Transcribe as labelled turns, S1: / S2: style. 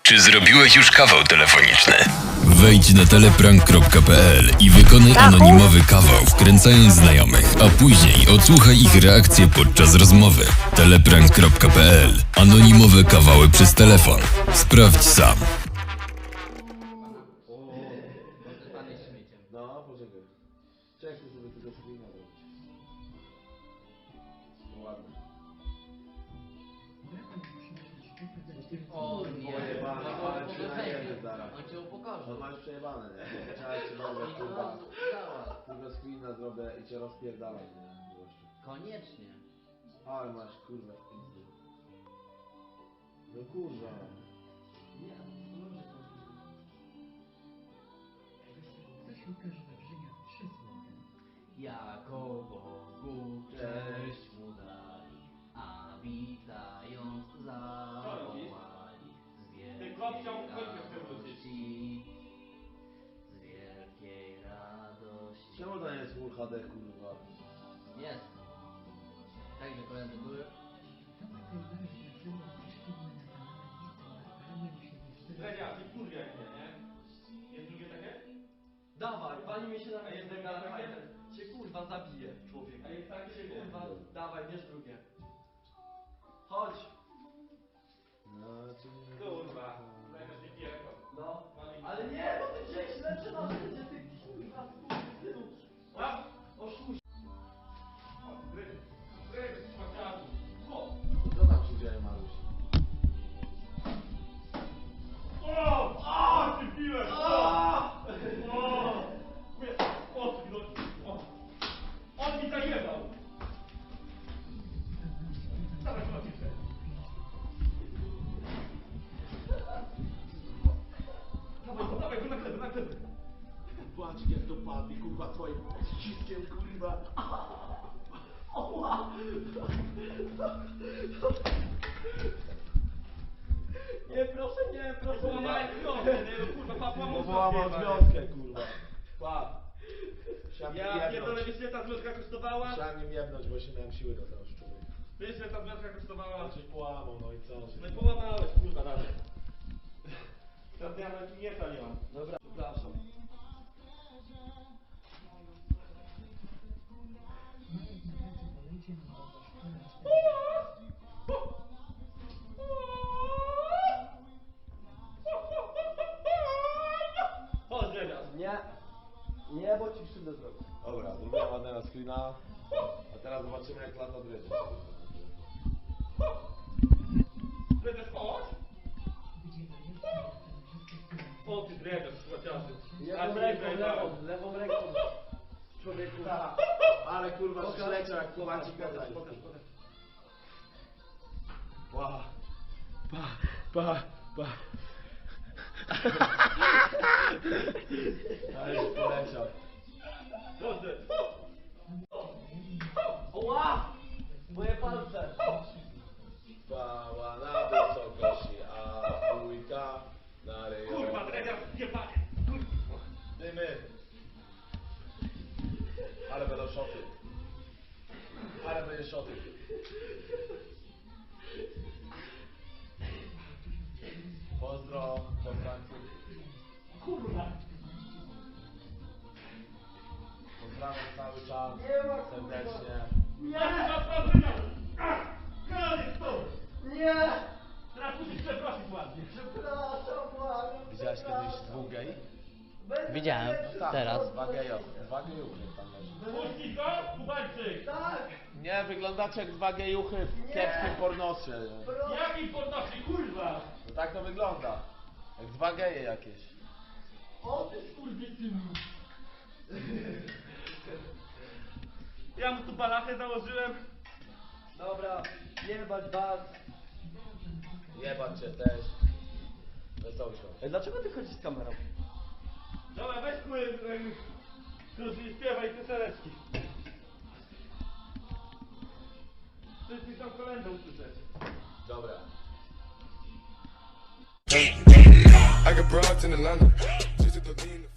S1: Czy zrobiłeś już kawał telefoniczny? Wejdź na teleprank.pl i wykonaj anonimowy kawał, wkręcając znajomych, a później odsłuchaj ich reakcje podczas rozmowy. Teleprank.pl. Anonimowe kawały przez telefon. Sprawdź sam.
S2: No, poczekaj. Czekaj, żeby tego screena zrobić. Ładnie.
S3: O nie,
S2: Pojebane, ale przejebane zaraz.
S3: on cię upokorzył.
S2: On ma już przejebane, nie? Trzeba ci zrobić, kurwa. Tylko screena zrobię i cię rozpierdalam, nie? Gościu.
S3: Koniecznie.
S2: Ale masz, kurwa, w pizdy. No kurwa.
S3: Jako Bogu cześć mu dali, a witając zawołali z wielkiej radości, z wielkiej radości.
S2: Czemu to nie jest Full HD, kurwa?
S3: Jest. Także koledzy były.
S4: Dredziarz, i kurwa jak nie? Jest drugie takie?
S5: Dawaj, pani mi się na
S4: A jest
S5: mnie
S4: drugie
S5: gada,
S4: takie?
S5: cię kurwa zabije, człowiek.
S4: A jest takie?
S5: Cię kurwa, dawaj, bierz drugie. Chodź,
S2: No, czy nie?
S4: Kurwa, zajmiesz mi pieko.
S5: no. Ale nie, bo ty wziąłeś lepsze narzędzie, ty kurwa, synu. Oszuś.
S4: Dredziarz, szmaciarzu.
S2: Co tam się dzieje, Maruś?
S4: O, ty piłeś! On mi zajebał! Dawaj, szmaciarzu. Dawaj, go na glebę, na glebę.
S2: Patrz jak to padnie, kurwa, twoim ściskiem, kurwa.
S5: Nie, proszę, nie, proszę,
S4: Połamałem wiązkę, nie? No kurwa, papa mu
S2: Połamał
S4: złapie,
S2: związkę, kurwa. Pa. Chciałem
S4: Ja
S2: nim
S4: pierdolę,
S2: jebnąć.
S4: wiesz ile ta związka kosztowała?
S2: Chciałem nim jebnąć, bo się miałem siły do tego człowieka.
S4: Wiesz ile ta związka kosztowała?
S2: A coś połamał, no i co?
S4: No i połamałeś, kurwa, dalej. Teraz ja nawet mięsa nie mam.
S5: Dobra, przepraszam.
S4: Chodź, Dredziarz.
S5: Nie, nie, bo ci krzywdę zrobię.
S2: Dobra, zrobiłem ładnego screena. A teraz zobaczymy jak lata dredzie.
S4: Dredziarz, chodź. O ty Dredziarz, szmaciarzu.
S5: Lewą ręką, lewą ręką. Człowieku.
S2: Ale kurwa,
S5: Pokaż,
S2: przyleciał jak
S5: pokaż,
S2: kowacik
S5: pokaż,
S2: gadaj.
S5: pokaż, pokaż.
S2: Pa. Pa. Ale już poleciał.
S4: Dobrze.
S5: Oła! Moje palce.
S2: Pała na wysokości, a bójka na rejonie.
S4: Kurwa, Dredziarz, jebanie.
S2: Dymy. Ale będą szoty. Ale będzie szoty. Pozdro, do Francji.
S5: Kurwa.
S2: Pozdrawiam cały czas.
S5: Nie ma, kurwa.
S2: Serdecznie.
S5: Nie!
S4: Koniec to!
S5: Nie!
S4: Teraz musisz przeprosić ładnie.
S5: Przepraszam, błagam.
S2: Widziałeś kiedyś dwóch gej?
S5: Będę
S3: Widziałem.
S5: lepszy.
S2: Tak,
S3: Teraz.
S2: dwa gejuchy tam leży.
S4: Puści to, Kubańczyk.
S5: Tak!
S2: Nie, wyglądacie jak dwa gejuchy w kiepskim pornosie.
S5: Proszę.
S4: Jaki podnosi, kurwa?
S2: No tak to wygląda. Jak dwa geje jakieś.
S5: O ty skurwysynu.
S4: Ja mu tu balachę założyłem.
S5: Dobra, jebać was.
S2: Jebać cię też. Wesoło się.
S5: Ej, dlaczego ty chodzisz z kamerą?
S4: Dobra, weź krótki śpiewaj pioseneczki. Wszyscy chcą kolędę usłyszeć.
S2: Dobra.
S6: I got broads in Atlanta, just to throw me in the